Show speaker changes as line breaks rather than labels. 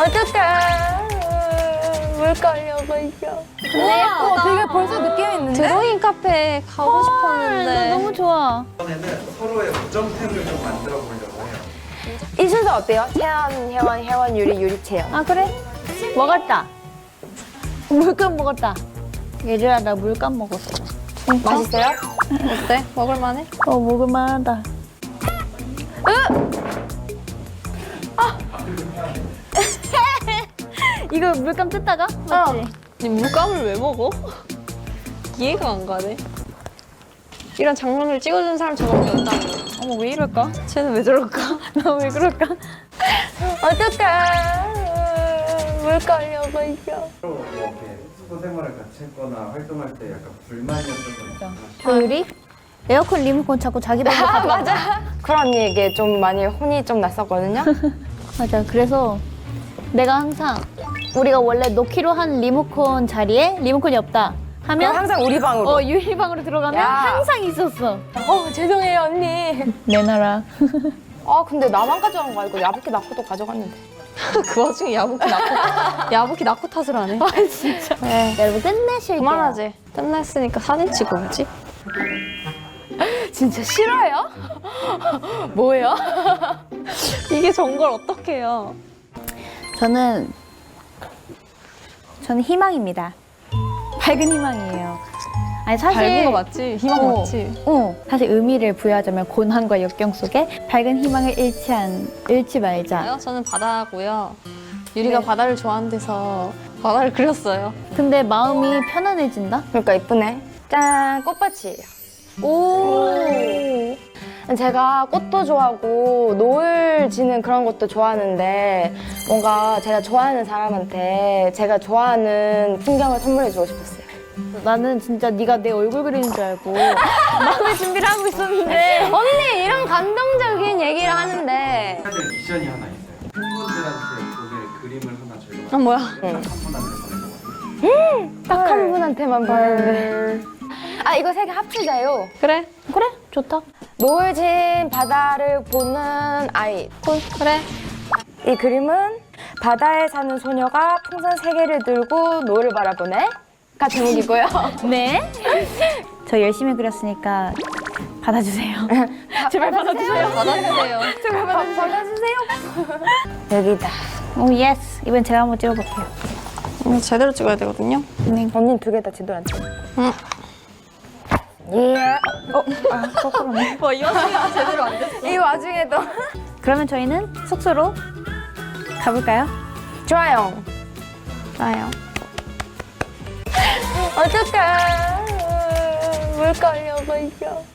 어떡해. 물 걸려버려.
우와,
되게 벌써 느낌 있는데?
드로잉 카페 가고 싶었는데.
너무 좋아.
이번에는 서로의 우정템을 좀 만들어 보려고 해요.
이 순서 어때요? 채연, 혜원, 혜원, 유리, 유리, 채연.
아, 그래? 먹었다. 물감 먹었다. 얘들아, 나 물감 먹었어.
맛있어요?
어때? 먹을만해?
먹을만하다. 이거 물감 뜯다가? 맞지?
아니, 물감을 왜 먹어? 이해가 안 가네. 이런 장면을 찍어준 사람 저밖에 없다며.
어머, 왜 이럴까?
쟤는 왜 저럴까?
나 왜 그럴까?
어떡해. 물 걸려버려.
서로 이렇게 숙소 생활을 같이 했거나 활동할 때 약간 불만이었던 거 있죠?
조율이? 에어컨 리모컨 자꾸 자기 방으로 가져가.
맞아. 쿨 언니에게 좀 많이 혼이 좀 났었거든요.
맞아. 그래서 내가 항상 우리가 원래 놓기로 한 리모컨 자리에 리모컨이 없다
그럼
하면
항상 우리 방으로.
유리방으로 들어가면
야.
항상 있었어.
죄송해요, 언니.
내놔라.
근데 나만 가져간 거 알고 야부키 나코도 가져갔는데.
그 와중에 야부키 나코 탓을 하네.
아 진짜. 여러분 끝내실게요.
그만하지. 끝났으니까 사진 찍어 오지.
진짜 싫어요? 뭐예요?
이게 전걸 어떡해요.
저는 희망입니다. 밝은 희망이에요. 아니 사실
밝은 거 맞지? 희망 맞지?
사실 의미를 부여하자면 고난과 역경 속에 밝은 희망을 잃지 말자.
저는 바다고요. 유리가 바다를 좋아하는 데서 바다를 그렸어요.
근데 마음이 편안해진다?
그러니까 이쁘네. 짠, 꽃밭이에요.
오.
제가 꽃도 좋아하고 노을 지는 그런 것도 좋아하는데 뭔가 제가 좋아하는 사람한테 제가 좋아하는 풍경을 선물해주고 싶었어요.
나는 진짜 네가 내 얼굴 그리는 줄 알고 마음의 준비를 하고 있었는데
언니 이런 감동적인 얘기를 하는데
해야 될 미션이 하나 있어요. 팬분들한테 보낼 그림을 하나 저희가
뭐야?
한 분한테 보내거든요.
딱 한 분한테만 보내는데 이거 세 개 합치자요.
그래?
그래? 좋다.
노을 진 바다를 보는 아이.
그래.
이 그림은 바다에 사는 소녀가 풍선 세 개를 들고 노을을 바라보네. 가 제목이고요.
네. 저 열심히 그렸으니까 받아주세요. 제발 받아주세요.
받아주세요.
제발 받아주세요. 여기다.
오 예스. 이번 제가 한번 찍어볼게요.
제대로 찍어야 되거든요.
언니는 두 개 다 제대로 안 찍어.
응.
예.
거꾸로네.
이 와중에 제대로 안 됐어.
이 와중에도.
그러면 저희는 숙소로 가볼까요?
좋아요.
나요.
어떡해. 물 걸려버려.